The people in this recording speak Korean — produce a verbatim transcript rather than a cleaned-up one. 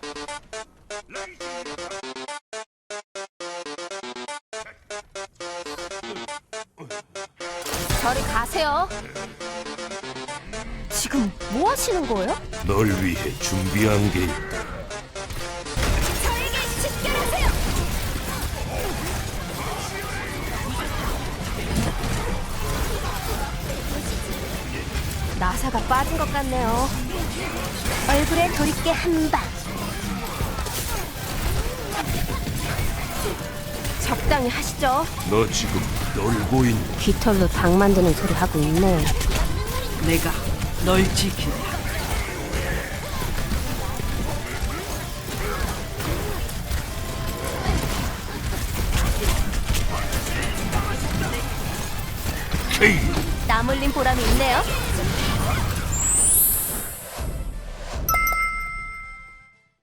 저리 가세요. 지금 뭐 하시는 거예요? 널 위해 준비한 게 있다. 저에게 집결하세요. 나사가 빠진 것 같네요. 얼굴에 돌이게 한 방. 적당히 하시죠. 너 지금 놀고 있는 깃털로 닭 만드는 소리 하고 있네. 내가 널 지킨다. 케이. 땀 흘린 보람이 있네요.